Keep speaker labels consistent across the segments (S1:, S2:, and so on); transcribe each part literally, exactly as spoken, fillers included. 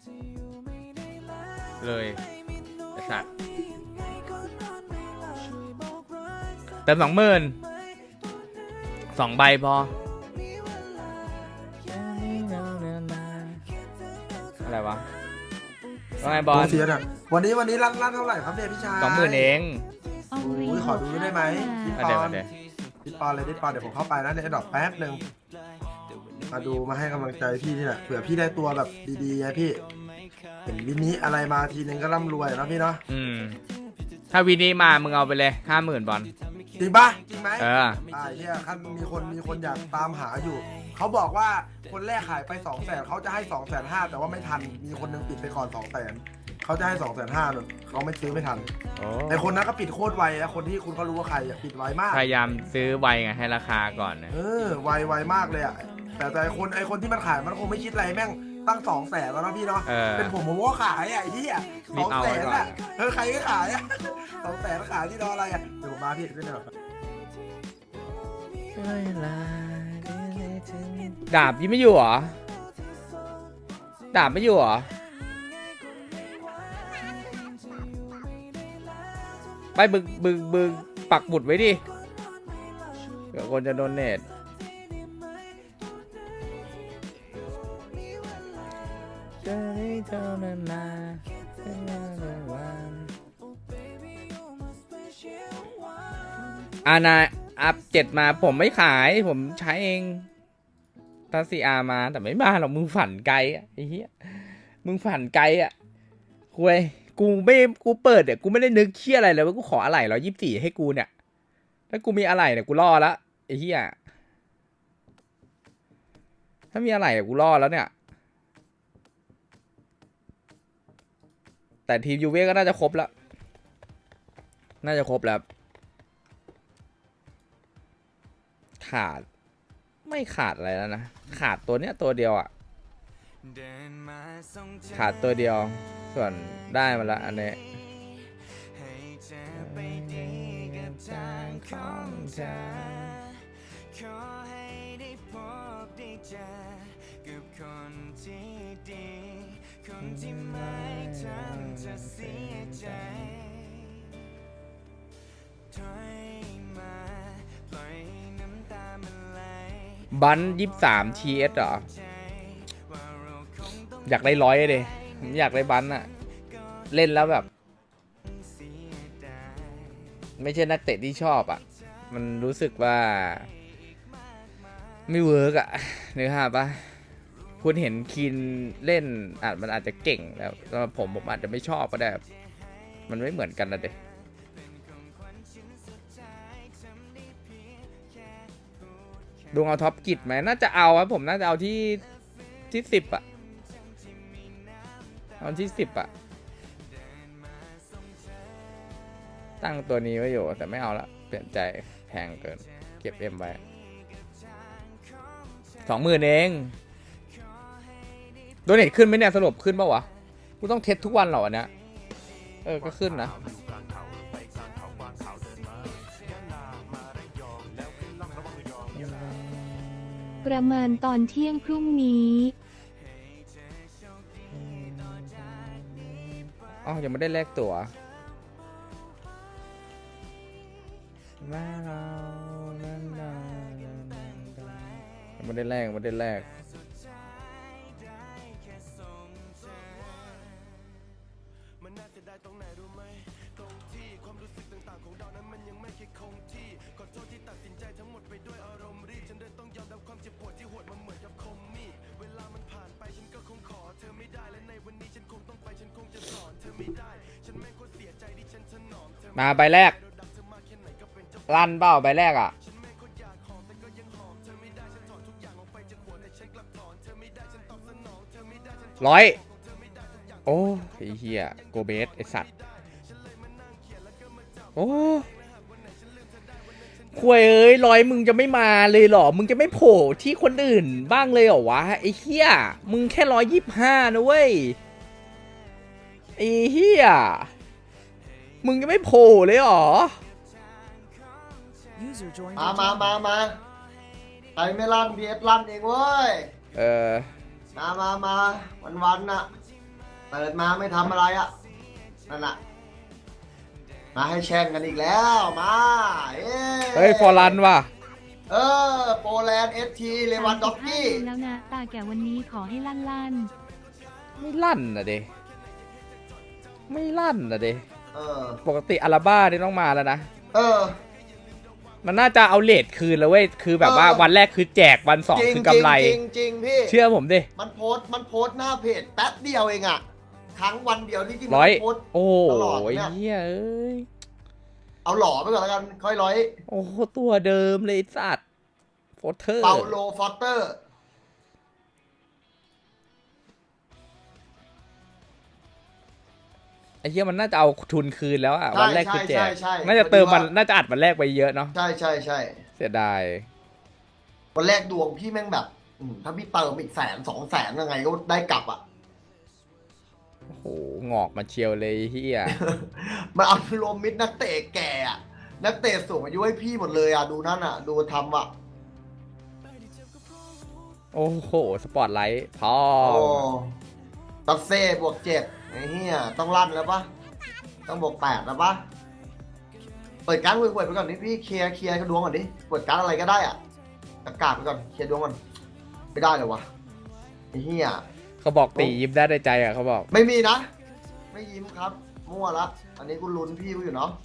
S1: เลยไอ้สัตว์เติมสองหมื่นสองใบพออะไรวะว่าไงบอล
S2: เสียอ่ะวันนี้วันนี้รันรันเท่าไหร่ครับเนี่ยพี่ชาย
S1: สองหมื่นเอง
S2: โอ้ยขอดูได้ไหมพี่ป
S1: เดี๋ยว
S2: อน
S1: เดี๋ยว
S2: พี่ปอนเลยพี่ปอนเดี๋ยวผมเข้าไปนะในดอกแป๊บหนึ่งมาดูมาให้กำลังใจพี่นี่แหละเผื่อพี่ได้ตัวแบบดีๆไงพี่เห็นวินิอะไรมาทีนึงก็ร่ำรวยนะพี่เนาะ
S1: อืมถ้าวีนี้มามึงเอาไปเลยห้าหมื่นบอล
S2: จริงปะจริงไหม
S1: เออ
S2: อ่าเนี่ยคันมีคนมีคนอยากตามหาอยู่ เขาบอกว่าคนแรกขายไปสองแสนเขาจะให้สองแสนห้าแต่ว่าไม่ทันมีคนนึงปิดไปก่อนสองแสนเขาจะให้สองแสนห้าเลยเขาไม่ซื้อไม่ทัน
S1: โอ้
S2: ไอคนนั้นก็ปิดโคตรไวนะคนที่คุณก็รู้ว่าใครอะปิดไวมาก
S1: พยายามซื้อไวไงให้ราคาก่อนนะ
S2: เออไวไวมากเลยอ่ะแต่แต่ไอคนไอคนที่มันขายมันคงไม่คิดอะไรแม่งตั้งสองแสนแล้วนะพี่เนาะ
S1: เออ
S2: เป็นผมผมก็ขายอ่ะไอ้ที่อ่ะส
S1: รี
S2: อบ ง
S1: เอา
S2: แส
S1: ไว้
S2: น
S1: ก่อน
S2: อ่ะเออใครก็ขายอ่ะสองแสนขายที่รออะไรอ่ะเดี๋ยวผมมาพี่ขึ้นหน่อย
S1: ดาบยังไม่อยู่เหรอดาบไม่อยู่เหรอไปบึกบึกบึกปักหมุดไว้ดิเดี๋ยวคนจะโดนเนตอานาอัพเจ็ดมาผมไม่ขายผมใช้เองตาซีอามาแต่ไม่มาหรอกมึงฝันไกลอ่ะไอ้เหี้ยมึงฝันไกลอ่ะคุยกูไม่กูเปิดเนี่ยกูไม่ได้นึกเชี่ยอะไรเลยว่ากูขออะไรร้อยยี่สิบสี่ให้กูเนี่ยถ้ากูมีอะไรเนี่ยกูรอแล้วไอ้เหี้ยถ้ามีอะไรเนี่ยกูรอแล้วเนี่ยแต่ทีมยูเว่ก็น่าจะครบแล้วน่าจะครบแล้วขาดไม่ขาดอะไรแล้วนะขาดตัวเนี้ยตัวเดียวอ่ะขาดตัวเดียวส่วนได้มาแล้วอันนี้บันยี่สามทีเอสเหรออยากได้ร้อยเลยผมอยากได้บันอะเล่นแล้วแบบไม่ใช่นักเตะที่ชอบอะมันรู้สึกว่าไม่เวิร์กอะนึกภาพปะคุณเห็นคีนเล่นอาจมันอาจจะเก่งแล้วสำหรับผมผมอาจจะไม่ชอบก็ได้มันไม่เหมือนกันนะเด็กดวงเอาท็อปกิจไหมน่าจะเอาครับผมน่าจะเอาที่ที่สิบอะเอาที่สิบอะตั้งตัวนี้ไว้อยู่แต่ไม่เอาละเปลี่ยนใจแพงเกินเก็บเอ็มไว้สองหมื่นเองโดเนทขึ้นไหมเนี่ยสรุปขึ้นป่าววะกูต้องเทสทุกวันเหรอวะเนี่ยเออก็ขึ้นนะ
S3: ประมาณตอนเที่ยงพรุ่งนี้
S1: อ๋อยังไม่ได้แลกตั๋วยังไม่ได้แลกไม่ได้แลกมาใบแรกลั่นเปล่าใบแรกอ่ะร้อยโอ้ไอ้เหี้ยโกเบสไอสัตว์โอ้ควยเอ้ยร้อยมึงจะไม่มาเลยเหรอมึงจะไม่โผล่ที่คนอื่นบ้างเลยเหรอวะไอ้เหี้ยมึงแค่ร้อยยี่สิบห้านะเว้ยไอ้เหี้ยมึงจะไม่โผล่เลยเหรอ
S4: มามามามาใครไม่ลั่นพีเอสลั่นเองเว้ย
S1: เออ
S4: มามามาวันวันน่ะเปิดมาไม่ทำอะไรอ่ะนั่นน่ะมาให้แช่งกันอีกแล้วมาเอ้
S1: เฮ้ยฟอร์รันว่ะ
S4: เออโปแลนด์เอสทีเลวันด็อกกี้
S3: สามสิบห้าเดือนแล้วนะ ตาแก่วันนี้ขอให้ลั่นลั่น
S1: ไม่ลั่นนะเดไม่ลั่นนะเด
S4: เออ
S1: ปกติอาราบ้านี่ต้องมาแล้วนะ
S4: เออ
S1: มันน่าจะเอาเลทคืนแล้วเว้ยคือแบบว่า
S4: เออ
S1: วันแรกคือแจกวันสอง
S4: จริง
S1: คือกำไร
S4: จริงจริงๆพี่
S1: เชื่อผมดิ
S4: มันโพสต์มันโพสต์หน้าเพจแป๊บเดียวเองอะครั้งวันเดียวที่ที่มัน
S1: ร้อย
S4: โพสต์
S1: โอ้โห
S4: ตลอดเนี่ย
S1: เฮียเอ้ย
S4: เอาหล่อไปก่อนแล้วกันค่อยร้อย
S1: โอ้โหตัวเดิมเลยไอ้สัตว์โฟเทอร์
S4: เปาโลฟอสเตอร์
S1: ไอ้เหี้ยมันน่าจะเอาทุนคืนแล้วอะ
S4: ใช่
S1: วันแรกคือแจก
S4: ใช่ใช่ใช่
S1: น่าจะเติมมัน
S4: พอดีว่า
S1: น่าจะอัดวันแรกไปเยอะเนาะ
S4: ใช่ใช่ใช่
S1: เสียดาย
S4: วันแรกดวงพี่แม่งแบบอืมถ้าพี่เติมอีกแสนสองแสนยังไงก็ได้กลับอะ
S1: โอ้โหงอกมาเชียวเลยเฮีย
S4: มันเอารวมมิดนักเตะแก่อะนักเตะสูงอายุให้พี่หมดเลยอะดูนั่นอะดูทำอะ
S1: โอ้โหสปอตไลท์พอ
S4: โอ้ตัดเซ่บวกเจ็ดไอ้เหี้ยต้องลั่นแล้วปะต้องบวกแปดแล้วปะเปิดการ์ดเปิดไปก่อนนี่พี่เคลียร์เคลียร์ดวงก่อนดิเปิดการ์ดอะไรก็ได้อะประกาศไปก่อนเคลียร์ดวงก่อนไม่ได้เลยวะไอ้เหี้ย
S1: เขาบอกตียิ้มได้ในใจอะเขาบอก
S4: ไม่มีนะ ไม่ยิ้มครับ มั่วละอันนี้กูลุ้นพี่กูอยู่เนาะ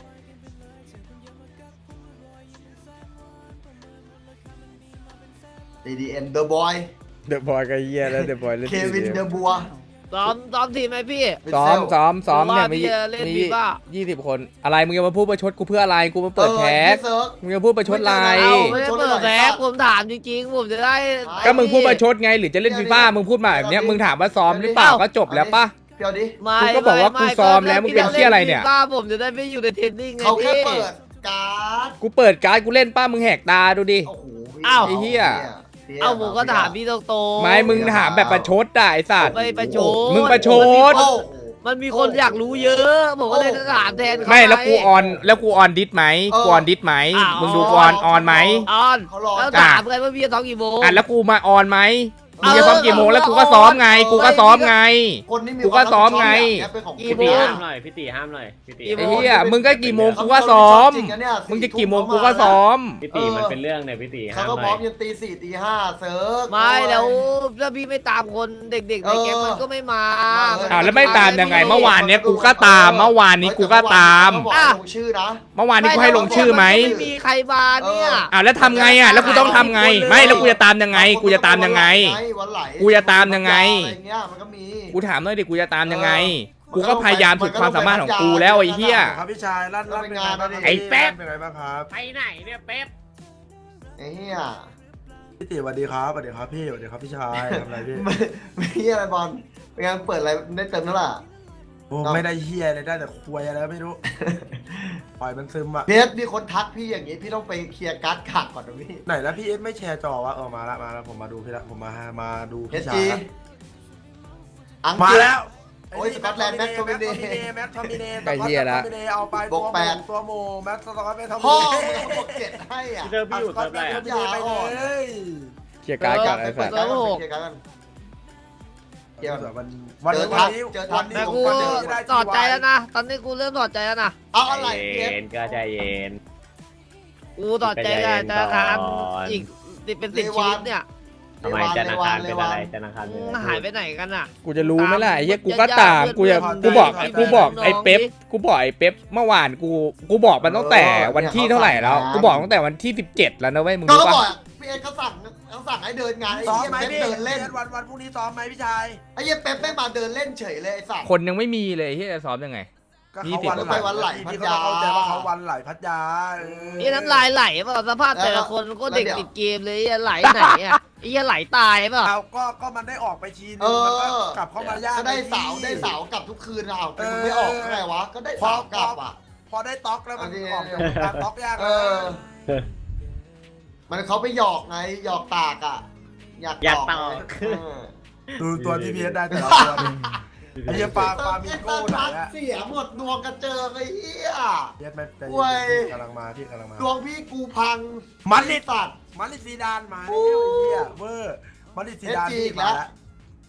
S4: ดี ดี เอ็ม The Boy
S1: เดอะบอยก็เฮียแล้วเดอะบอยเล่น
S4: เควิน The Boy
S5: ซ้อมซ้อมทีมไหมพี่
S1: ซ้อมซ้อมซ้อมเนี่ยมี
S5: ผมว่าพี่จะเล่น
S1: มี
S5: ฟีฟ่า
S1: ยี่สิบคน อะไรมึงจะมาพูดประชดกูเพื่ออะไรกูมาเปิดแคส
S4: เออ
S1: มึงจะพูดประชดอะไร
S5: เอาไม่ได้เปิดแบ็คผมถามจริงๆ ผมจะได้
S1: ก็มึงพูดประชดไงหรือจะเล่นฟีฟ่ามึงพูดมาแบบเนี้ยมึงถามว่าซ้อมหรือเปล่าก็จบแล้วปะ
S4: เดี๋ยวดิ
S5: ไม่
S1: กูก็บอกว่ากูซ้อมแล้วมึงเป็นเหี้ยอะไรเนี่ย
S5: ฟีฟ่าผมจะได้ไม่อยู่ในเทรนนิ่งไง
S4: เขาแค่
S5: พี่
S4: เปิดการ์ด
S1: กูเปิดการ์ดกูเล่นป้ามึงแหกตาดูดิ
S4: โอ้โห
S5: อ้าว
S1: ไอ้เหี้ย
S5: เอ้าผมก็ถามพี่ตรงๆ
S1: ไม่มึงถามแบบประชดอะไอ้สัตว์
S5: ไม่ประชด
S1: มึงประชด
S4: โอ้โห
S5: มันมีคนอยากรู้เยอะ ผมก็เลยจะถามแทนเขา
S1: ไม่แล้วกูออนแล้วกูออนดิสไหม
S4: เออ
S1: กูออนดิสไหม
S5: อ้าว
S1: มึงดูกูออนออนไหม
S5: ออน
S4: เขารอ
S5: แล้วถามกันว่าพี่จะซ้อมกี่โมง
S1: อ่ะแล้วกูมาออนไหมมึงจะ
S5: เออ
S1: ซ้อมกี่โมงแล้ว
S5: เออ
S1: กูก็ซ้อมไง
S5: เออ
S1: กูก็ซ้อมไง
S4: คนที่มี
S1: กูก็ซ้อมไง
S4: ความรับผิดชอบเนี่ยเป็นของ
S5: กี่
S6: พี่
S5: โม
S6: ตี
S5: ง
S6: ห้ามหน่อยพี่ตีห้ามหน่อยพี่ตี
S5: กี่โม
S1: ไอ้
S5: ง
S1: เหี้ยมึงก็กี่โมงกูก็ซ้อม
S4: จริงนะเนี่ย
S1: มึงจะกี่โมงกูก็ซ้อม
S6: พี่ตีมันเป็นเรื่องเนี่ยพี่ตี
S4: เขา
S6: ห้าม
S4: ก็
S6: ห
S4: พร้
S6: น่
S4: อ
S6: อ
S4: ม
S6: ย
S4: ยันตีสี่ตีห้าเซิร์ฟ
S5: ไม่แล้วถ้าพี่ไม่ตามคนเด็กๆในแก๊งมันก็ไม่มา
S1: อ้าวแล้วไม่ตามยังไงเมื่อวานเนี้ยกูก็ตามเมื่อวานนี้กูก็ตาม
S4: เขาบอกให้ลงชื่อนะ
S1: เมื่อวานนี้กูให้ลงชื่อไหม
S5: ไม่มีใครมาเนี่ย
S1: อ้าวแล้วทำไงอ่ะแล้วกูต้องทำไง ไม่แล้วกูจะตามยังไง กูจะตามยังไง
S4: วันไหล
S1: กูจะตามยังไง
S4: อะไรเงี้ยมันก็มี
S1: กูถามหน่อยดิกูจะตามยังไง กูก็พยายามสุดความสามารถของกูแล้วไอ้เหี้ย
S2: ครับพี่ชายลั่นลั่นเป็นไงบ้างครับ
S1: ไอ้แป๊บ
S2: เป็นไงบ้างครับ
S6: ไปไหนเนี่ยเป๊ป
S4: ไอ้เหี้ย
S2: พี่ติสวัสดีครับสวัสดีครับพี่สวัสดีครับพี่ชายทำอะไรพี่
S4: ไม่ไม่เหี้ยอะไรบอลเป็นไงเปิดอะไรได้เติมนั่นแหละ
S2: โอ้ไม่ได้เฮียเลยได้แต่ควยอะไรก็ไม่รู้ ปล่อยมันซึมอะ
S4: เพชรมีคนทักพี่อย่างนี้พี่ต้องไปเคลียร์การ์ดขาดก่อนนะพี่
S2: ไหนแล้วพี่เอสไม่แชร์จอวะเออมาละมาละผมมาดูพี่ละผมมามาดู
S4: เพ
S2: พี่
S4: ชร
S2: ชา
S4: จี
S2: ยละ
S4: อัง
S2: มาก
S4: ฤษ
S2: แล้ว
S4: โอ้ยสกอตแลนด์แม็กโทมิเน่
S2: แม็กโทมิเน่
S1: ไอ้เหี้ยละ
S2: แม็กโทมิเน่เอาไป
S4: บวกแปด
S2: ตัวโมแม็กสกอตแม็กโทมิ
S4: พ่อ
S2: เน่
S4: มึงเอาบวกเจ็ดให้อ่ะ
S6: พี่เติมพี่อยู่เติมอะไร
S2: แม็
S6: อ่ะ
S2: กโทมิเน่ไปเลย
S1: เคลียร์การ์ดกันไอ้สัตว์
S4: เคลียร์การ์ดกันเคลียร์การ์ดกัน เดี๋ยว
S2: วันวัน
S4: เจอ
S2: วั
S4: ทั
S2: น
S4: ก
S2: นี้
S4: เจอทั
S2: วั
S4: ก
S2: นนี้
S5: แต่
S2: ผม
S5: กู
S2: ก็เจอได้
S5: ถอดใจแล้วนะ ตอนนี้กูเริ่มถอดใจแล้วนะ
S4: เอาอะไร
S6: ใจ
S4: เพ
S6: เย็
S4: ชร
S6: นก็ใจเย็น
S5: กูถอดใจกับธนาคารอีกติดเป็นสิบชีวิตเนี่ย
S6: ทำไมจันทร์อังคารเป็นอะไรจันทร์อังคารเป็นอะไร
S5: หายไปไหนกันอ่ะ
S1: กูจะรู้ไหมล่ะไอ้เหี้ยกูก็ตามกูจะกูบอกกูบอกไอ้เป๊ปกูบอกไอ้เป๊ปเมื่อวานกูกูบอกมันตั้งแต่วันที่เท่าไหร่แล้วกูบอกตั้งแต่วันที่สิบเจ็ดแล้วนะเว้ยมึง
S4: ก็
S1: รู้
S4: เขา
S1: ปะ
S4: บอกพี่เอ็กเขาสั่งเขาสั่งให้เดินงานไอ้
S2: ซ้อม
S4: เหี้ย
S2: ไหม
S4: เป๊ป
S2: พี่
S4: เดินเล่น
S2: วันวันพรุ่งนี้ซ้อมไหมพี่ชาย
S4: ไอ้เหี้ยเป๊ปไม่มาเดินเล่นเฉยเลยไอ้สัตว์
S1: คนยังไม่มีเลยที่จะซ้อมยังไง
S2: ก็
S1: ยี่
S2: เขา
S1: สิบ
S2: วันไหล
S4: วันไหล
S2: พี่ก็ต้องเข้าใจว่าเขาวันไหลพัทยาเออ
S5: นี่น้ำลายไหลเปล่าสภาพแต่ละคนก็เด็กติดเกมเลยไอ้ไหลไหนอ่ะไอ้เหี้ยไหลตายเปล่า
S2: เอาก็ก็มันได้ออกไปทีนึ
S4: เอง
S2: มันก็
S4: อก
S2: ลับเข้ามายาก
S4: ก็ได้
S2: พี่
S4: สาวได้สาวกลับทุกคืนเอาแต่มึง
S2: เออ
S4: ไม่ออกไงวะก็ได้สาวกลับอ่ะ
S2: พอได้ต็อกแล้วมัน
S4: อันนี้
S2: ออกจากวงการต็อกยาก
S4: เอ
S2: นะ
S4: อ มันเขาไปหยอกไงหยอกตากอ่ะ อยาก
S6: อยาก
S4: ต
S6: ต่
S4: อ
S6: อก
S4: เออ
S2: ดูตัวที่พีเอสได้แต่ละตัวดิไอ้เหี้ยปลาปลามีโก้ไหนอะ
S4: เสียหมดดวงกระเจิงไอ้เหี้ย
S2: พีเอสไม่ใจ
S4: เว้
S2: เย็
S4: ย
S2: นๆกำลังมาพี่กำลังมา
S4: ดวงพี่กูพัง
S2: มันลิ
S4: สัตว์
S2: มันลิซีดานมาแล้วไอ้เหี้ยเวอร์มันลิซีดาน
S4: เอฟจี
S2: พี่
S4: อีกแล้
S2: มาว แล้ว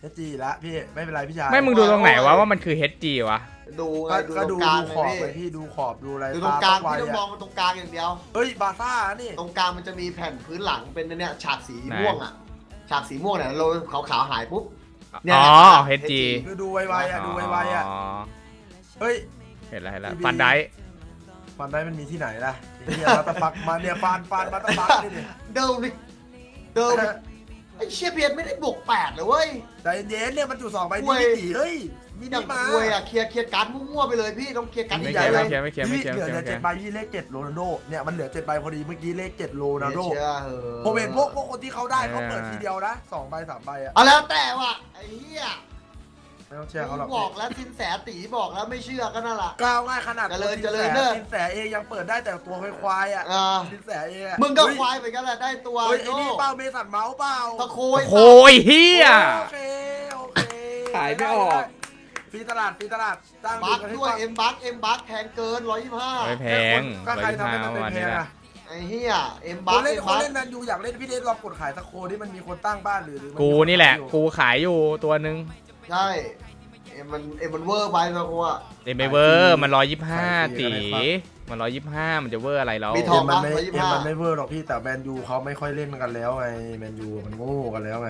S2: เอสจีละพี่ไม่เป็นไรพี่ชาย
S1: ไม่มึงดูตรงไหนวะว่ามันคือ เอช จี วะ
S4: ดูไง
S2: ก็
S4: ดู
S2: ก็
S4: ตร
S2: ดู
S4: งกลาง
S2: ดูขอบ
S4: เล
S2: ไป
S4: ยพี่
S2: พี่ดูขอบดูอะไร
S4: ดูตรงกลาง
S2: ไว
S4: พี่ต้องมอง
S2: อะ
S4: มาตรงกลางอย่างเดียว
S2: เฮ้ยบาซ่านี่
S4: ตรงกลางมันจะมีแผ่นพื้นหลังเป็นเนี่ยฉากสี
S1: ไหน
S4: ม่วงอ่ะฉากสีม่วงเนี่ยเราขาวๆหายปุ๊บเนี่ย
S1: อ๋อ
S4: นี่ย
S1: เอช จี
S2: คือดูไวๆอ่ะดูไวๆอ่ะ
S1: อ๋อ
S2: เฮ้ย
S1: เห็นแล้วเห็นแล้ว
S2: ทีวี
S1: ฟันได้
S2: ฟันได้มันมีที่ไหนล่ะไอ้เนี่ยมาตะฟักมาเนี่ยฟันฟันมาตะฟักนี่ดิ
S4: เดิมดิเดิมไอ้เชียเพียนไม่ได้บวกแปดเลยเว้ย
S2: ใจเย็นๆเนี่ยมันอยู่สองใบ
S4: เว้
S2: ที่
S4: ย
S2: ตีเฮ้ยมี
S4: อย่า
S2: นี่
S4: ง
S2: มา
S4: คุยอ่ะเคลียร์เคลียร์การ์ดมั่วๆไปเลยพี่ต้องเคลียร์การ์ด
S1: ไม่
S4: ใหญ่
S1: เขียน
S4: ๆเล
S1: ไม่
S4: ย
S1: เขียนไม่เขียนไม่
S2: พี่
S1: เขียน
S2: เหลือ
S1: ไม่
S2: เหลือ
S1: เขี
S2: เจ็
S1: ย
S2: ด
S1: น
S2: ใบพี่เลขเจ็ดโรนัลโดเนี่ยมันเหลือเจ็ดใบพอดีเมื่อกี้เลขเจ็ดโรนัลโด
S4: เชื่อเหอะ
S2: ผมเห็นพวกพวกคนที่เขาได้เขาเปิดทีเดียวนะสองใบสามใบอ่ะ
S4: เอาแล้วแต่ว่ะไอ้เหี้ย
S2: ไม่ต้องเชื่อเขาหรอก
S4: บอกแล้วสินแสตีบอกแล้วไม่เชื่อก็นั่นแหละ
S2: ก้าวง่ายขนาด
S4: เจริญ
S2: สิน
S4: เจริ
S2: แส
S4: ญเด้อ
S2: สินแสเองยังเปิดได้แต่ตัวควายๆอ่ะ
S4: อ่า
S2: สินแสเองอะ
S4: มึงก็
S2: เฮ้ย
S4: ควายไปกันแหละได้ตัว
S2: เฮ้ยไอ้
S4: โน่
S2: นี่เป้าเมสันเมาส์เปล่า
S4: ตะโคย
S1: โคยเฮีย
S2: โอเคโอเค
S1: ขายไม่ออก
S2: ฟรีตลาดฟรีตลาดจ้าง
S4: บัค
S2: กันให้
S4: ด้วย
S2: ฟัง
S4: เอ็มบัคเอ็มบัคแพงเกินร้อยยี่สิบห้า
S1: ไม่แพง
S2: ก็
S1: ร้อย
S2: ใคร
S1: ยี่สิบ
S2: ทำให้
S1: ห้า
S2: มันเป็น
S1: วัน
S2: แพ
S1: นี้
S2: ง
S1: นะ
S2: อะ
S4: ไอ้เหี้ยเอ็ม
S2: ค
S4: บัคน
S2: เล่น
S4: เอ็ม
S2: ค
S4: บั
S2: น
S4: ค
S2: เล่นแมนยูอยากเล่นพี่เดชลองกดขายสักโคที่มันมีคนตั้งบ้านหรือหรือมั
S1: กูนี่แหละ
S2: อยู่
S1: กูขายอยู่ตัวหนึ่ง
S4: ใช่เอ็มมันเอ็มมันเวอร์ไปนะกูอ่ะ
S1: เดมเวอร์มันร้อยยี่สิบห้า
S2: ขายฟรี
S1: ตี
S2: ก็ได้ครับ
S1: มันร้อยยี่สิบห้ามันจะเวอร์อะไรแล้ว
S4: มีท
S2: เอ็
S4: อง
S2: มมันไม่
S4: ร้อยยี่สิบ
S2: เอ็ม
S4: ห้า
S2: มันไม่เวอร์หรอกพี่แต่แมนยูเขาไม่ค่อยเล่นกันแล้วไงแมนยูมันโง่กันแล้วไง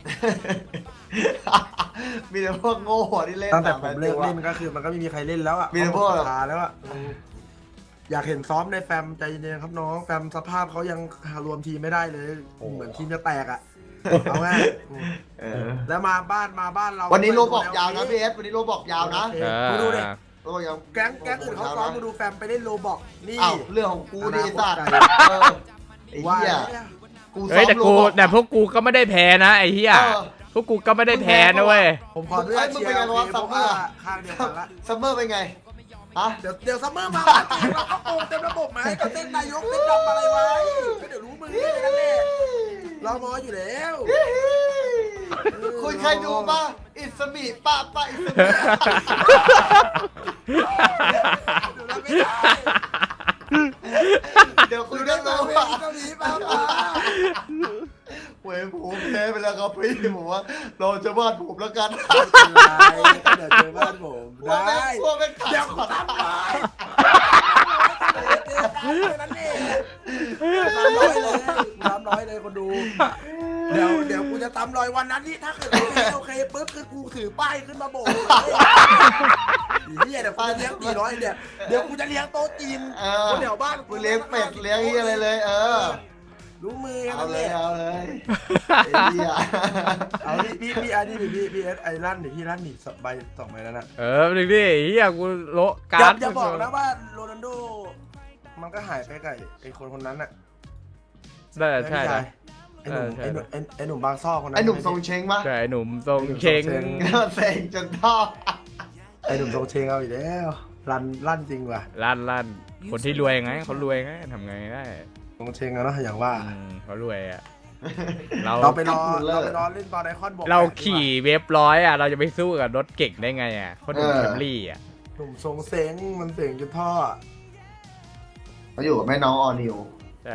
S4: มีแต่พวกโง่ที่เล่น
S2: ตั้งแต่
S4: อะ
S2: ผมเลิกเล่นก็คือมันก็ไม่มีใครเล่นแล้วอ่ะ
S4: มีแต่พวก
S2: เขาหมดศรัทธาแล้วอ่ะอืมอยากเห็นซ้อมในแฟมใจเย็นๆครับน้องแฟมสภาพเขายังรวมทีมไม่ได้เลยเหมือนทีมจะแตกอ่ะเอาง่ายอืม
S4: เออ
S2: แล้วมาบ้านมาบ้านเรา
S4: วันนี้โลบอกยาวนะพี่เอสวันนี้โลบอกยาวนะ
S2: โอเค
S1: เออ
S2: มึงดูดิ
S4: โลบอกยาว
S2: แก๊งแก๊งอื่นเขาซ้อมมาดูแฟมไปเล่นโลบอกนี่
S4: อ้าวเรื่องของกูดิสัตว์เออไอ้
S2: ว่า
S4: เหี้ย
S2: เนี่ย
S4: กูซ้
S1: เฮ้
S4: อย ม
S1: แต่
S4: โล
S1: กู
S4: บอก
S1: แต่พวกกูก็ไม่ได้แพ้นะไอ้เหี้ย
S4: เออ
S1: พวกกูก็ไม่ได้แพ้นะเว้ย
S2: ผมขออนุญาต
S4: เอ้ยมึง
S2: เชีย
S4: เป็นไง
S2: ร์
S4: วะ
S2: เพ
S4: ซั
S2: ราะ
S4: มเมอ
S2: ว่า
S4: ร์
S2: ข้างเดียวกันละ
S4: ซัมเมอร์เป็นไงฮะ
S2: เดี๋ยวเดี๋ยวซัมเมอร์มาจริงเราก็โกงเต็มระบบไหมก็เต้นนายกเต้นดำอะไรไว้ก็เดี๋ยวรู้มือกันแน่เรามออยู่แล้ว
S4: คุณเคยดูป่ะอิสมีป้าป้าอิสมี
S2: เดี๋ยวเราไม่ได้
S4: เดี๋ยวคุณ
S2: ดู
S4: ได้
S2: ได้
S4: รู้
S2: มา
S4: ว่า
S2: เกาหลีป้าป้า
S4: เว้ยผมแพ้ไปแล้วครับพี่ผมว่าเราจะวาดผมแล้วกัน
S2: เดี๋ยวเจอบ้านผมได้
S4: พวกแม่งขาด
S2: เดี๋ยว
S4: ขอ
S2: ทำ
S4: ทำ
S2: เลยนั่นเองทำร้อยเลยทำร้อยเลยคนดู เดี๋ยวเดี๋ยวกูจะตำรอยวันนั้นนี่ถ้าเกิดโอเคโอเคปุ๊บคือกูถือป้ายขึ้นมาโบกเลยเฮียเดี๋ยวกูจะเลี้ยงตีน้อยเนี่ยเดี๋ยวกูจะเลี้ยงโต๊ะจีน
S4: เออ
S2: คนแถวบ้าน
S4: กูเลี้ยงเป็ดเลี้ยงเฮียอะไรเลย เออ
S2: รู้มือ
S4: เอา
S2: กัน
S4: เล
S2: เลย ย
S4: เอาเลยไอ้เหี้ย
S2: เอาพี่พี่พี่อันนี้พี่พี่เอสไอ้ลั่นดิพี่ลั่นดิสองใบสองใบแล้วนะ
S1: เออหนึ่งดิเหี้ยกูโละกา
S2: อย่า
S1: ร์ด
S2: อย่าบอกนะว่าโรนัลโดมันก็หายไปกับไอ้คนคนนั้นน่ะ
S1: ได้ใช่
S2: ไหม
S1: นะ
S2: ไอ้หนุ่ม
S1: เอ
S2: ไอ้
S1: อ
S2: ห
S1: ใช่
S2: นุ่มไอ้ไอ้หนุ่มบางซ่อคนนั้น
S4: ไอ้หนุ่มทรงเชงปะ
S1: ใช่ไอ้หนุ่มทรงเชง
S4: เซ็งจนท่อ
S2: ไอ้หนุ่มทรงเชงเอาอีกแล้วลั่นลั่นจริงว่ะ
S1: ลั่นลั่นคนที่รวยไงเขารวยไงทำไงได้
S2: ทรงเชงอะเนาะอย่างว่า
S1: อืมเขารวยอ่ะเรา
S2: เราไปรอเราไปรอเล่นตอนไอคอนบอก
S1: เราขี่เวฟร้อยอ่ะเราจะไปสู้กับรถเก่งได้ไงอ่ะเขาดูแคมรี่อ่ะ
S2: หนุ่มทรงเซงมันเสียงจนท่อ
S4: เขาอยู่กับแม่น้องออนิว
S1: ใช่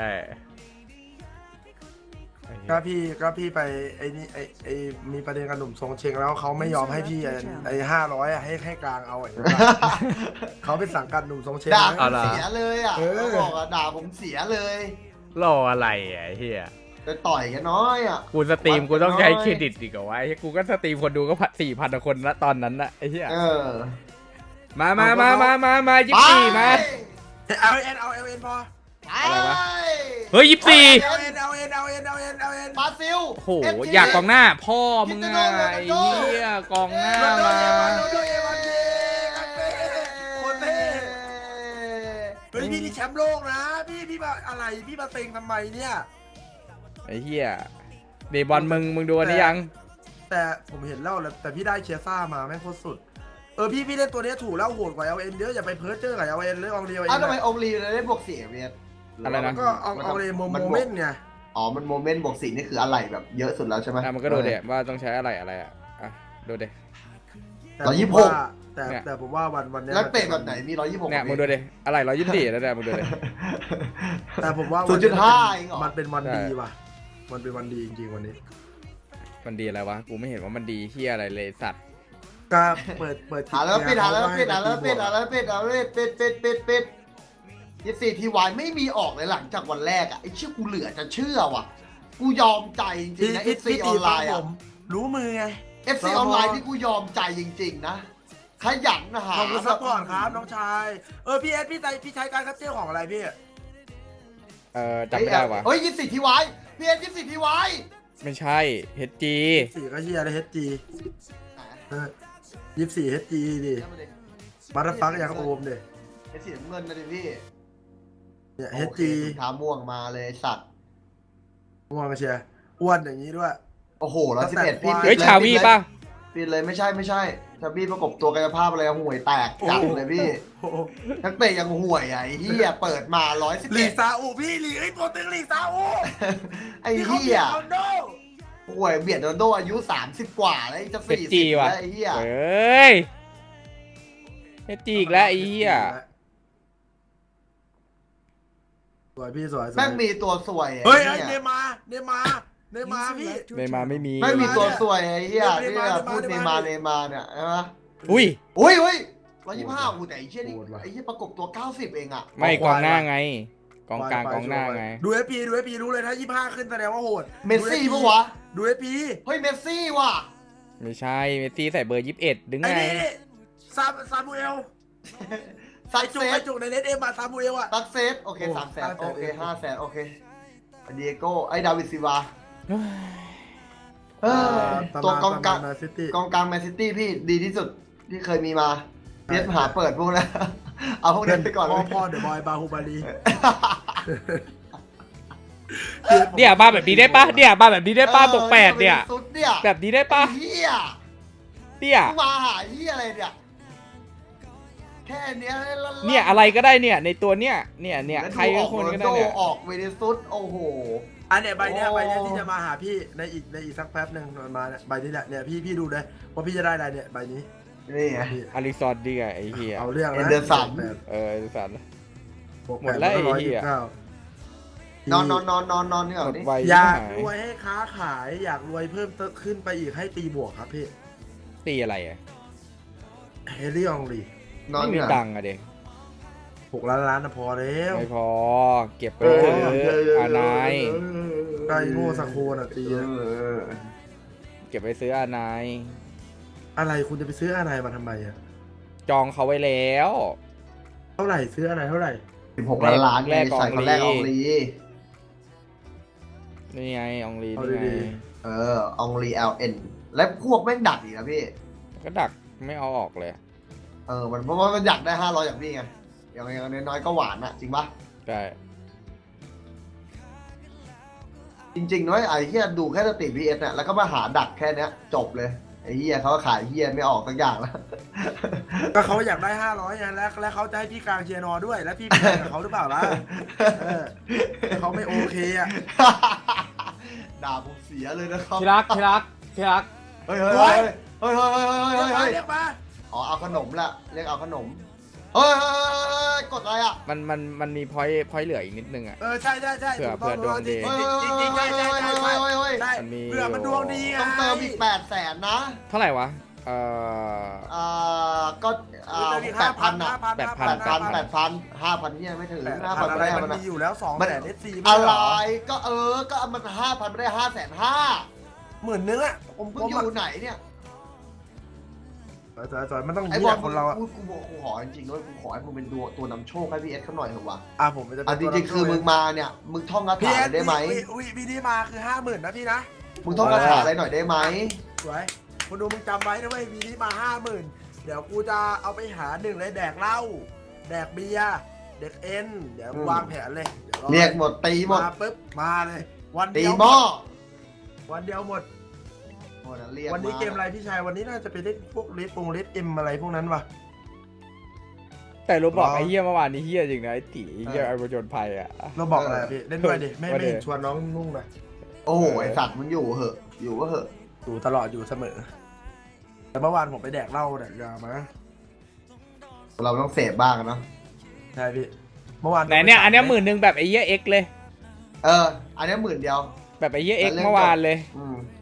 S2: ก็พี่ก็พี่ไปไอ้นี่ไอ้ไอ้มีประเด็นกับหนุ่มทรงเชงแล้วเขาไม่ยอมให้พี่ไอ้ไอ้ห้าร้อยอะให้ให้กลางเอาไอ้ เขาเป็นสังกัดหนุ่มทรงเชง
S4: ด่า
S2: นะ
S4: ผมเสียเลยอ่ะ
S2: เออ
S4: เขาบอกอ่ะด่าผมเสียเลย
S1: รออะไรอ่ะไอ้เฮีย
S4: ไปต่อยกันน้อยอ่ะ
S1: กูสตรีมกูต้องใช้เครดิตอีกเหรอวะไอ้เหี้ยกูก็สตรีมคนดูก็สี่พันคนละตอนนั้นนะไอ้เหี้ย
S4: เออ
S1: มามามามามามายี่สิบสี่มา
S2: เอาเอ็นเอาเอ็นพอ
S1: อะไรวะ เฮ้ยยี่สิบสี่
S2: เอาเอ็นเอาเอ็นเอาเอ็นเอาเอ็นเอาเอ็น
S4: บราซิล
S1: โอ้โหอยากกองหน้าพ่อมึงไงไอ้เหี้ยกองหน้า
S2: โรนัลโด
S1: มา
S2: เอวันโรนัลโดเอวันเย่กันเต้โคตรเท่เฮ้ยพี่นี่แชมป์โลกนะพี่พี่มาอะไรพี่มาเต็งทำไมเนี่ย
S1: ไอ้เหี้ยเดบอลมึงมึงดูอันนี้ยัง
S2: แต่ผมเห็นแล้วแหละแต่พี่ได้เชียร์ซ่ามาแม่งโคตรสุดเออพี่พี่เล่นตัวเนี้ยถูกแล้วโหดกว่าเอลเอ็นเยอะอย่าไปเพิร์เจอร์กับเอลเอ็นเลยเอาเรียวเอ
S4: อ้าวทำไม
S2: ง
S4: องลีเลยได้บวกสี่เวียด
S1: อะไรนะ
S2: ก็เอาเอาเลยโมโมเมนต์ไง
S4: อ๋อมันโมเมนต์บวกสี่นี่คืออะไรแบบเยอะสุดแล้วใช่ไหม
S1: อ่ะมันก็ดูเด็ว่าต้องใช้อะไรอะไรอ่ะอ่ะดูเด็
S2: แต่
S4: ร้อยยี่สิบหก
S2: ผมว่าแต่
S1: เนี่ย
S2: แต่ผมว่าวันวันเนี้ย
S4: แล้วเตะแบบไหนมีร้อยยี่สิบหก
S1: เนี่ยมึงดูเด็อะไรร้อยยี่สิบสี่แล้วเนี่ยมึงดูเด็
S2: แต่ผมว่า
S4: ศูนย์จุดห้าเองเหรอ
S2: มันเป็นวัน
S1: ใช่
S2: ดีว่ะมันเป็นวันดีจริงๆวันนี้
S1: มันดีอะไรวะกูไม่เห็นว่ามันดีเฮียอะไรเลยสัตว์
S2: ก็เปิดเปิด
S4: หาแล้วปิดหาแล้วปิดหาแล้วปิดหาแล้วปิดหาแล้วปิดปิดปิดปิดยี่สี่ทีวายไม่มีออกเลยหลังจากวันแรกอ่ะไอ้เชื่อกูเหลือจะเชื่อว่ะกูยอมใจจริงๆนะ
S2: พี่
S4: เอฟซี
S2: พี่
S4: อ
S2: ตี
S4: อนไล
S2: ฟัง
S4: น์
S2: ผ
S4: อ่ะ
S2: มรู้มือไง
S4: เอฟซีออนไลน์ที่กูยอมใจจริงๆนะขยันนะหา
S2: ขอบคุณซัพพอร์ตครับน้องชายเออพี่เอสพี่ใจพี่ใช้การคัดเจลของอะไรพี่
S1: เออจำไม่ได้วะ
S4: เฮ้ยยี่สี่ทีวายพี่เอ็นยี่สี่ทีวาย
S1: ไม่ใช่เฮดจี
S2: สี่ก็เชียร์เลยเฮดจียี่สิบสี่เฮดจีดิบัตเตอร์ฟักยังโอมดิ
S4: ไอ้สีน้ำเงินนะดิพี่
S2: เนี่ยเฮด
S4: โอค
S2: จี
S4: ถุงเท้าม่วงมาเลยสัตว์
S2: ม่วงก็เชียร์อ้วนอย่างนี้ด้วย
S4: โอ้โหร้อยสิบเอ็ดพี่
S1: เฮ้ย
S4: ปิดล
S1: ชาวีป่ะ
S4: ปิดเลยไม่ใช่ไม่ใช่ชาวีประกบตัวกายภาพอะไรห่วยแตกจัดเลยพี่
S2: โอ้โห
S4: นักเตะยังห่วยอ่ะไอ้เหี้ยเปิดมาร้อยสิบ
S2: ลี
S4: เอ็
S2: ก
S4: ด
S2: ซาอุพี่ลีกไอ้ตัวตึงลีกซาอุ
S4: ไอ้
S2: ที่เขา
S4: เหี้
S2: เบี
S4: ย
S2: ยดโรนลโด
S4: ห่วยเบียดโรนลโดอายุสามสิบกว่าแล้วจะ
S1: เฮด
S4: สี่
S1: จี
S4: สิบ
S1: ว่ะ
S4: แล้วไอ้เหี้ย
S1: เฮ้ยเฮดจีอีกแล้วไอ้เหี้ย
S2: สวยพี่สวยสวย
S4: แม่งมีตัวสวย
S2: เฮ้ย
S4: ไอ้
S2: ไอ้เน
S4: เหี้ย
S2: มาร์เนมาร์เนมาร์พี่
S1: ในมาไม่มี
S4: ไม่มีตัวสวยไอ้เหี้ย
S2: เน
S4: ที่
S2: มาร์
S4: พูด
S2: เน
S4: เน
S2: มา
S4: มา
S2: ร์
S4: ร์เนมาร์เนี่ยใช่ไหม
S1: อุ้ย
S4: อุ้ยอุ้ยร้อยยี่สิบห้าอู้แต่ไอ้เหี้ยนี่
S2: โหดว่ะ
S4: ไอ้เหี้ยประกบตัวเก้าสิบเองอ่ะ
S1: ไม่กองหน้าไง กองกลางกองหน้าไง
S2: ดูเอฟพีดูเอฟพีรู้เลยถ้ายี่สิบห้าขึ้นแสดงว่าโหด
S4: เมสซี่ปะวะ
S2: ดูเอฟพี
S4: เฮ้ยเมสซี่ว่ะ
S1: ไม่ใช่เมสซี่ใส่เบอร์ยี่สิบเอ็ดดึง
S2: ไอ้
S1: ไง
S2: นี่ซาซามูเอล
S4: ซั
S2: ไอ้
S4: ก
S2: จุ
S4: เซ
S2: กไอ้
S4: ส
S2: จุกในเลดเอ็มอะซามูเอลอะ
S4: ซักเซสโอเค
S2: โอ้
S4: สามแสน
S2: ห้าแสน
S4: โอเค
S2: เอง
S4: ห้าแสนโอเคเดียโก้ไอ้ดาวิดซิวาเออตัวกองกลาง
S2: แมนซิตี้
S4: กองกลางแมนซิตี้พี่ดีที่สุดที่เคยมีมาเพียสหาเปิดพวกนั้น เอาพวกนี้ไปก่อน
S2: พ่
S4: เล
S2: อย พ่อเดอะบอยบาฮูบาลี
S1: เนี่ยมาแบบนี้ได้ปะเนี่ยมาแบบนี้ได้ปะบวกแปดเนี่ย
S4: สุดเนี่ย
S1: แบบนี้ได้ปะ
S4: ไอ้เฮีย
S1: เนี่ย
S4: มึงมาหาเฮียอะไรเนี่ยแค่เนี้ยล่ๆ
S1: เนี่ยอะไรก็ได้เนี่ยในตัวเนี่ยเนี่ยเนี่ยใคร
S4: แล้ว
S1: ก็
S4: ดู
S1: คนก็
S4: ออกโร
S1: ได้
S4: นล
S1: เนี่ย
S4: โออกเวเนซุสโอ้โห
S2: อันเนี้ยใบเนี้ย
S4: โอ้
S2: ใบเนี้ยที่จะมาหาพี่ในอีกในอีกสักแป๊บหนึ่งมันมาเนี่ยใบนี้แหละเนี่ยพี่พี่ดูเลยว่าพี่จะได้อะไรเนี่ยใบนี้
S4: นี่ไง
S2: พี่
S1: อลิซอนดีไงไอ้เหี้ย
S2: เอาเรื่องนะ
S4: เอ็นเดอร์สัน
S2: แปด
S1: เอออลิซอน
S2: บวก
S1: หมดแล้ว
S2: ป
S1: ไอ้
S2: ร้อย
S1: เหี้
S2: ยี่
S1: ย
S2: สิบเก้าน
S4: อนนอนนอนนอนนอนนี่
S1: ห
S4: ก่อ
S1: ม
S4: น
S1: ด
S4: ดิ
S1: ไว
S2: อยาก
S1: ห
S2: รวยให้ค้าขายอยากรวยเพิ่มขึ้นไปอีกให้ตีบวกครับพี่
S1: ตีอะไรอ่ะ
S2: เฮลี่อองลี
S4: นอน
S1: ไม่มี
S4: นี่ก่อน
S1: ตังค์อะเด็ก
S2: หกล้านล้านนะพอแล้ว
S1: ไม่พอ เก็บไป
S4: เออ
S1: เถอะอานาย
S2: ไก่โง่สักโคนอ่ะตี
S4: เอ
S2: นะ
S4: อ
S1: เก็บไปซื้ออานาย
S2: อะไรคุณจะไปซื้ออะไรมาทำไมอ่ะ
S1: จองเขาไว้แล้ว
S2: เท่าไหร่ซื้ออะไรเท่าไหร่
S4: สิบหกล้านล้าน
S1: แรก
S4: ใส่คนแรกอองลี
S1: นี่ไงอองลี
S2: เอา
S1: นี่ไง
S2: ดี
S4: เอออองลีเอลเอ็นและพวกแม่งดักอีกนะพี่
S1: ก็ดักไม่เอาออกเลย
S4: เออมันเพราะว่ามันอยากได้ห้าร้อยอย่างพี่ไงอย่างอย่างน้อยๆก็หวานอะจริงปะ
S1: ใช่
S4: จริงๆน้อยไอ้เฮียดูแค่สตรีพีเอสเนี่ยแล้วก็มาหาดักแค่เนี้ยจบเลยไอ้เฮียเขาก็ขายเฮียไม่ออกสักอย่างแล้ว
S2: ๆก็เขาอยากได้ห้าร้อยไงแล้วแล้วเขาจะให้พี่กลางเชียร์นอด้วย แล้วพี่ไปแข่งกับเขาหรือเปล่าล่ะเออเขาไม่โอเคอ่ะ
S4: ด่าผมเสียเลยนะครับ
S1: ที่รักที่รักที่รัก
S4: เฮ้ยเฮ้ยเฮ้ยเฮ้ยเฮ้ยเฮ้ยเฮ้ยเฮ้ย
S2: เรียกมา
S4: อ๋อเอาขนมละเรียกเอาขนมเฮ้ยเฮ้ยเฮ้ยเฮ้ยกดอะไรอ่ะ
S1: มันมันมันมีพอยต์พอยต์เหลืออีกนิดนึงอ่ะ
S2: เออใช่ใช่ใช่
S1: เผื่อ
S2: ถูกต้อง
S1: เผื่อดวงดี
S2: จริงจริงจริงใช่ใช่ใช่ใช่
S4: เฮ้ยเฮ้ย
S2: ใช่
S1: มันมี
S2: เผื่อมันดวงดีไง
S4: ต้องเติมอีกแปดแสนนะ
S1: เท่าไหร่วะ เอ่อ
S4: อ่าก็อ่า
S2: เติมอีก
S4: แปดพันอ่ะ
S1: แปดพั
S4: แปดพันแปดพันห้าพันเนี่ยไม่ถึง
S2: แปด
S4: ห้า
S2: พั
S4: พั
S2: น
S4: น
S2: อะ
S4: ไม่
S2: ไร
S4: ได้
S2: มั
S4: มัน น
S2: มีอยู่แล้วสอง
S4: มัน
S2: แสนเอสซี
S4: อะไรก็เออก็มันห้าพันไม่ได้ห้าแสนห้า
S2: หมื่นนึงอ่ะผม
S4: มึ
S2: ผ
S4: ง
S2: ม
S4: อยู่ไหนเนี่ย
S2: สวยสวยมันต้อง
S4: ไอ้
S2: เยี่
S4: บอย ล
S2: คนเราอ่ะ
S4: กูกูบอกกูขอจริงๆด้วยกูขอให้มึงเป็นตัวตัวนำโชคให้พี่เอสเขาหน่อยเถอะวะ
S2: อ่ะผมจะ
S4: อ่ะจริงๆคือมึงมาเนี่ยมึงท่องคา
S2: พี่
S4: ถา
S2: เอส
S4: ได้ไหม
S2: วิวิธีมาคือห้าหมื่นนะพี่นะ
S4: มึงท่องคาถาอะไรหน่อยได้ไหม
S2: สวยคุณดูมึงจำไว้นะเว้ยวีนี้มาห้าหมื่นเดี๋ยวกูจะเอาไปหาหนึ่งเลยแดกเหล้าแดกเบียร์เด็กเอ็นเดี๋ยววางแผนเลยดี๋วอ
S4: เรียกหมดตีหมด
S2: มาปุ๊บมาเลย วัน
S4: ตี
S2: เดียว
S4: หม้อ
S2: วันเดียวหมด
S4: หมดอะเรียก
S2: วันนี้
S4: า
S2: เกมอะไรพี่ชายวันนี้น่าจะไปเล่นพวกเลดปงเลดเอ็มอะไรพวกนั้นว่ะ
S1: แต่รู้บอก
S2: อ๋อ
S1: ไอ้เหี้ยเมื่อวานนี้เหี้ยจริงนะไอ้ตีเหี้ยไอ้ประจนภัยอ่ะ
S2: เราบอกอะไรอะพี่เล่นด้วยดิไม่
S1: ว่า
S2: ไม่
S1: ดิ
S2: เห็นชวนน้องนุ่งนะ
S4: โอ้โหไอสัตว์มึงอยู่เหอะอยู่ก็เหอะ
S2: อยู่ตลอดอยู่เสมอ แต่เมื่อวานผมไปแดกเหล้าแดกยามา
S4: เราต้องเสพบ้างอะเนาะ
S2: ใช่พี่เมื่อวาน
S1: ไหนเนี่ยอันเนี้ยหมื่นหนึ่งแบบไอ้เหี้ยเอ็กเลย
S4: เอออันนี้หมื่นเดียว
S1: แบบไอ้เหี้ยเอ็ก
S4: แล้วเล่น
S1: เมื่อวานเลย
S4: อืม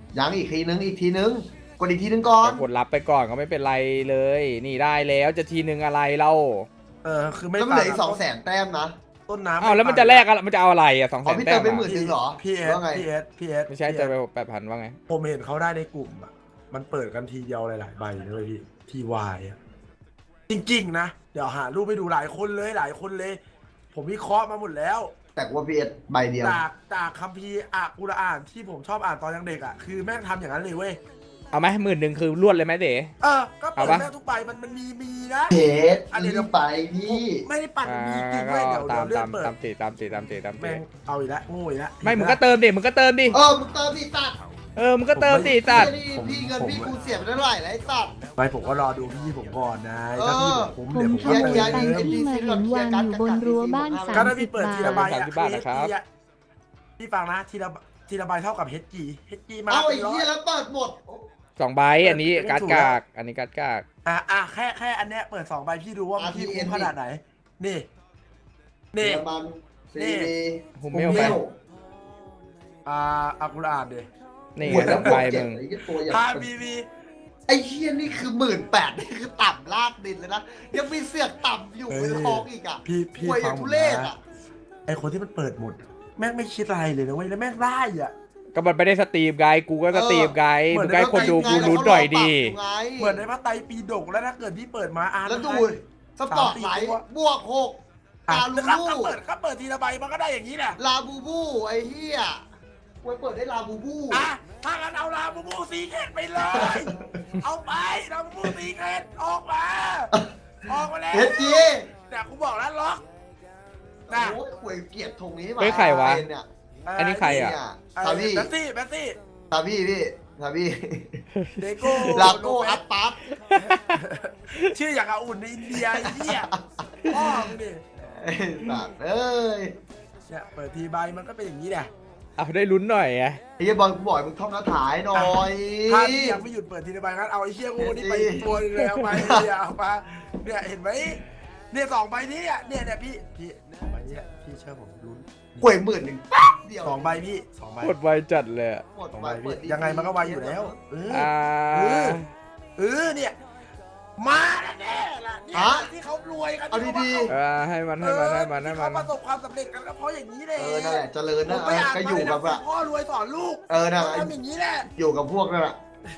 S4: ยังอีกทีนึงอีกทีนึงกดอีกทีนึงก่อน
S1: กดรับไปก่อนก็ไม่เป็นไรเลย นี่ได้แล้วจะทีนึงอะไรเล่า
S2: เออคือไม่
S4: แล้วมันเหลือ
S2: ต่า
S4: อีกสองแสนแต้มนะ
S2: ต้นน้ำ
S1: อ้าวแล้วมันจะแลกอะไรมันจะเอาอะไรอ่ะสองแส
S4: อ๋อน พี่
S1: แต้
S4: เติ
S1: ม
S4: มไปหมื่
S1: อะ
S4: น จริงเหรอ
S2: พี่เอส
S4: ว่าไง
S2: พี่เอสพี่เอส
S1: ไม่ใช่เจอไปแปดพันว่าไง
S2: ผมเห็นเขาได้ในกลุ่มอ่ะมันเปิดกันทีเดียวหลายๆใบเลยพี่ทีวายอ่ะจริงๆนะเดี๋ยวหารูปไปดูหลายคนเลยหลายคนเลย ผมวิเคราะห์มาหมดแล้ว
S4: แต่ว่าพี่เอสใบเดียว
S2: จากจากคัมภีร์อะกุรอานที่ผมชอบอ่านตอนยังเด็กอ่ะคือแม่งทำอย่างนั้นเลยเว้ย
S1: เอาไหมหมื่นหนึ่งคือรวดเลยไหมเด๋
S2: เออก็เปิด
S1: เอาปะ
S2: แม่งทุกใบมันมันมีมีนะ
S4: เพชร
S2: อันนี้
S4: รีบไปพี่
S2: ไม่ได้ปั่น
S1: อ่า
S2: มีจริง
S1: ก็
S2: เว้ยเดี๋ยว
S1: ตาม
S2: เดี๋ยวเลื่อ
S1: ตาน ม
S2: เปิด
S1: ตามตีตามตีตามตีตามตี
S2: แม่งเอาอีกแล้วโง่อีกแล้ว
S1: ไม่มึงก็เติมดิมึงก็เติมดิ
S4: เออมึงเติมดิสัตว์
S1: เออมึงก็เติมดิสัตว์
S4: นี่พี่เงินพี่กูเสียไปเท่าไหร่แล้วไอ้สัตว์
S2: ไปผมก็รอดูพี่ผมก่อนนะ
S4: เออ
S2: ถ้าพี่ผมคุ้ม
S3: ผ
S2: เดี๋ยว
S3: ม
S2: ผม
S3: ขั
S2: ก็
S3: บ
S2: เติ
S3: รถ
S2: ม
S3: ตามที่มาเห็นวางอยู่บนรั้วบ้านสา
S2: ก็
S3: ม
S2: ถ้า
S3: สิ
S2: พี่
S3: บ
S2: เปิด
S3: บา
S2: ทีละ
S3: ท
S2: ใบ
S1: สาม
S2: อะ
S1: สิบบาทนะครับ
S2: เฮดจีอะพี่ฟังนะทีละทีละใบเท่ากับ เอช จี เอช จี มา
S4: เอาไอ้
S2: เป็นร้อ
S4: เหี้ย
S2: ย
S4: แล้วเปิดหมด
S1: สองใบอันนี้การ์ดกากอันนี้การ์ดกาก
S2: อ่ะอ่ะแค่แค่อันเนี้ยเปิดสองใบพี่ดูว่าพี่คุ้มขนาดไหน นี่ นี่
S4: เยอรมันซี
S2: นี่
S4: ดี
S1: ฮุมเมลไป
S2: อ่าอักุรอานดิ
S1: นี่
S4: หมด
S1: ส
S4: แล้
S1: อ
S4: ว
S1: ง
S4: บว
S1: ใบ
S4: กเจ็ด
S1: มึง
S4: ไอ้เหี้ยตัวอย่าง
S2: พาบีบี
S4: ไอ้เหี้ยนี่คือหมื่นแปดนี่คือต่ำลากดินเลยนะยังมีเสือกต่ำอยู่ในท้องอีกอ่ะ
S2: พี่พี่
S4: ห่วยอ
S2: ฟั
S4: ย่าง ง
S2: ผ
S4: ทุ
S2: ม
S4: เรศ
S2: นะ
S4: อ่ะ
S2: ไอคนที่มันเปิดหมด แม่งไม่คิดอะไรเลยนะเว้ยแล้วแม่งได้อ่ะ
S1: ก็มันไม่ได้สตรีมไงกูก็สตรีมไง
S2: เหมื
S1: มึ
S2: อน
S1: งก็ให้คนดูกูรู้หน่อยดี
S2: เหมือนในพระไตรปิฎกแล้วถ้าเกิดพี่เปิดมาอ่าน
S4: แล้วดูสปอร์ตไลท์บวกหก
S2: อ่ะ
S4: ลาลู
S2: แล้วก็
S4: บู
S2: เปิดก็เปิดทีละใบมันก็ได้อย่างนี้แหละ
S4: ลาบูบูไอ้เหี้ยไว้เปิดได้ลาบูบู
S2: อ่ะถ้างั้นเอาลาบูบูซีเคทไปเลย เอาไปลาบูบูซีเคทออกมา ออกมาแล้ว
S4: เฮ็ดจี
S2: เนี่ยกูบอกแล้วล็อก
S4: โอ้
S2: นะ
S4: โหห่วยเกลียดธงนี้มา
S1: เฮ้ยใครวะ
S4: เป็นเนี่ย
S1: อันนี้ใครอ่ะ
S4: เนี่ย
S2: เอ่อ
S4: ซาบี้
S2: แบตตี้แบตตี้
S4: ซาบี้พี่ซาบี้
S2: เดโก้
S4: ลาโก้อัพปั๊บ
S2: ชื่ออย่างอาอุ่นในอินเดียไอ้เหี้ยพ่อมึงดิ
S4: ไอ้สัตว์เอ้ย
S2: เนี่ยเปิดทีใบมันก็เป็นอย่างนี้แหละ
S1: เอาได้ลุ้นหน่อยไง
S4: ไอ้เหี้ยบอลกูบ่อยมึงท่องคาถาให้หน่อย
S2: ถ้าพี่ยังไม่หยุดเปิดทีละใบงั้นเอาไอ้เชี่ยโง่นี่ไปตัวหนึงเลยเอาไปเนี่ยเอามาเนี่ยเห็นไหมเนี่ยสองใบนี้อ่ะเนี่ยเนี่ยพี่พี่สองใบนี้พี่เชื่อผมลุ้น
S4: ห่วยหมื่นหนึ่งแป๊บเดียว
S2: สองใบพี่สองใบ
S1: กดไวจัดเลยอะ
S4: หมด
S2: สอง
S4: ไป
S2: ใบ
S4: เปิ
S2: พี่
S4: ดดี
S2: ยังไงมันก็ไวอยู่แล้วเออ
S1: อ่า
S2: เออ เออเนี่ยมาแน่ๆล่ะเนี่ยที่เขารวยกัน
S4: เอาดี
S1: เออให้มันให้มันให้มันให้
S2: ที่
S1: มั
S2: เขา
S1: น
S2: ประสบความสำเร็จกันก็เพราะอย่างนี้เลย
S4: ๆเออนั่นแหละเจริญ
S2: ผ
S4: นะ
S2: ม
S4: เอ
S2: ไป
S4: อ
S2: อ่าน
S4: ก็อยู่กับ
S2: มา
S4: อะ
S2: พ่อรวยสอนลูก
S4: เออนั่นแหละ
S2: ทำอย่างนี้แหละ
S4: อยู่กับพวกนั่นแหละ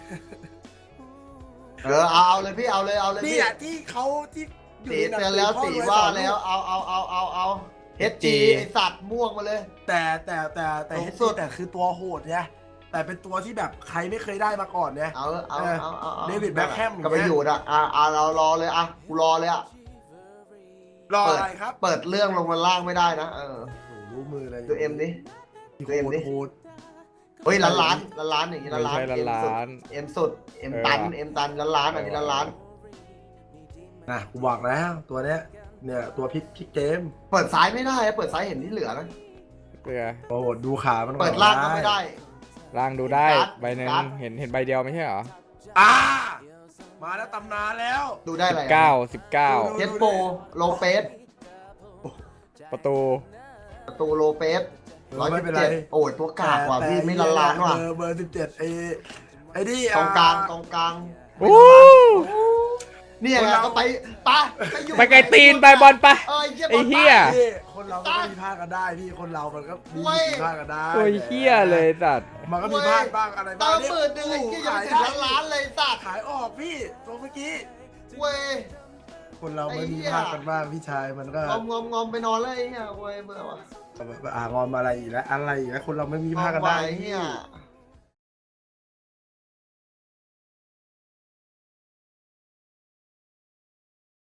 S4: เออเอาเอาเลยพี่เอาเลยเอาเลย
S2: นี่
S4: พี่
S2: แหละที่เขาที่อยู่
S4: สี
S2: ในหนัง
S4: เตือนแล้ว
S2: พ่อ
S4: สี
S2: รย
S4: ว่า
S2: สอนก
S4: แล้วเอาเอาเอาเอาเอาเฮดจีไอสัตว์ม่วงมาเลย
S2: แต่แต่แต่แต่
S4: สูง
S2: เฮด
S4: สุ
S2: ซี่
S4: ด
S2: แต่คือตัวโหดเนี่ยแต่เป็นตัวที่แบบใครไม่เคยได้มาก่อนเนี่ย
S4: เอาเอาเอาเอาเอา
S2: เดวิดแบ็คแฮม
S4: ก็ไปอยู่นะอ่ะอ่ะเรารอเลยอ่ะกูรอเลยอ่ะ
S2: รอ
S4: เปิด
S2: อะไรครับ
S4: เปิดเรื่องลงมาล่างไม่ได้นะเออ
S2: โอ้โหรู้มือเลย
S4: ดูเอ็มดิ
S2: โห
S4: ดูเอ็มดิ
S2: โหด
S4: เฮ้ยล้านล้านล้านล้านอย่างนี้ล้านล้าน
S1: ไม่ใช่ล้านล้าน
S4: เอ็มสุดเอ็มตันเอ็มตันล้านล้านอันนี้ล้านล้าน
S2: นะกูบอกแล้วตัวเนี้ยเนี่ยตัวพลิกพลิกเกม
S4: เปิดซ้ายไม่ได้อะเปิดซ้ายเห็นที่เหลือนะ
S1: เพื่อ
S2: โอ้โหดูขามันก่อน
S4: เปิดล่างก็ไม่ได้
S1: ล่างดูได้
S4: การ์ด
S1: ใบหนึ่ง
S4: การ์ด
S1: เห็นเห็นใบเดียวไม่ใช่เหรอ
S2: อ่ามาแล้วตำนานแล้ว
S4: ดูได้อะไร
S1: เก้าสิบเก้า
S2: ดู
S4: เจสโปโลเปส
S1: ประตู
S4: ประตูโลเปส
S2: เอ
S4: ร้อ
S2: อย ไม่
S4: สิบ
S2: เป็นไร
S4: เจ็ดโอ้ยตัวกากว่ะพี่ไม่ล้านล้านว่ะ
S2: เบอร์เบอร์สิบเจ็ดไอ้ไอ้นี่
S4: ตรงกลาง
S2: อ่
S4: ตรงกลาง
S1: โอ้
S4: เนี่ยไงก็ไปไปไปอยู่
S1: ไปไกลตีนไปบอลไป
S4: เออ
S1: ไอ้เหี้ย
S2: พี่คนเราก็มีพลาดกันได้พี่คนเรามันก็มีผิดพลาดกันได้
S1: โอ้ยเฮี้ยเลยสัตว์
S2: มันก็มีพลาดบ้างอะไร
S4: ตา
S2: บ้าง
S4: มหมื่นหนึ่งไอ้เหี้ยยังไม่ถึงล้านล้านเลยสัตว์
S2: ขายออกพี่ตัวเมื่อกี้
S4: เว้ย
S2: คนเราไม่มีพลาดกันบ้างพี่ชายมันก็
S4: งอมงอมงอมไปนอนเลยไอ้เหี้ยเว้ยเบื่อว่ะ
S2: อ่างอมอะไรอีกแล้วอะไรอีกแล้วคนเราไม่มี
S4: ง
S2: พ
S4: อ
S2: ลาด
S4: ม
S2: กัน
S4: ไป
S2: ได้
S4: เหี้ย
S2: พี่